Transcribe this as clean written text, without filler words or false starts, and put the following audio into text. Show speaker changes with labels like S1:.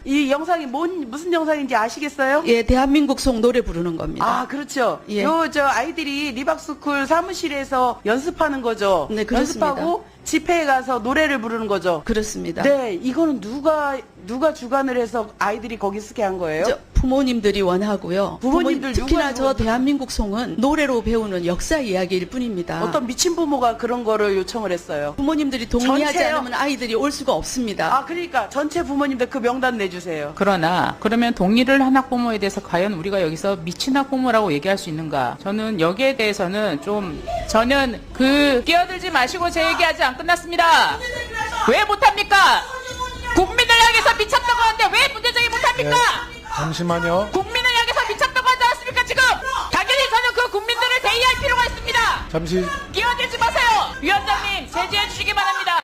S1: 이 영상이 무슨 영상인지 아시겠어요?
S2: 예, 대한민국 송 노래 부르는 겁니다.
S1: 아, 그렇죠.
S2: 예.
S1: 저 아이들이 리박스쿨 사무실에서 연습하는 거죠.
S2: 네, 그렇습니다.
S1: 연습하고 집회에 가서 노래를 부르는 거죠.
S2: 그렇습니다.
S1: 네, 이거는 누가 주관을 해서 아이들이 거기 쓰게 한 거예요?
S2: 부모님들이 원하고요.
S1: 부모님들
S2: 특히나
S1: 누가
S2: 저 대한민국 송은 노래로 배우는 역사 이야기일 뿐입니다.
S1: 어떤 미친 부모가 그런 거를 요청을 했어요.
S2: 부모님들이 동의하지
S1: 전체요?
S2: 않으면 아이들이 올 수가 없습니다.
S1: 아, 그러니까 전체 부모님들 그 명단 내주세요.
S3: 그러나 그러면 동의를 한 학부모에 대해서 과연 우리가 여기서 미친 학부모라고 얘기할 수 있는가? 저는 여기에 대해서는 저는 끼어들지 마시고 제 얘기 아직 안 끝났습니다. 왜 못합니까? 국민을 향해서 미쳤다고 하는데 왜 문제제기 못합니까?
S4: 잠시만요.
S3: 국민을 향해서 미쳤다고 하지 않았습니까 지금? 당연히 저는 그 국민들을 대의할 필요가 있습니다.
S4: 잠시
S3: 끼어들지 마세요. 위원장님 제지해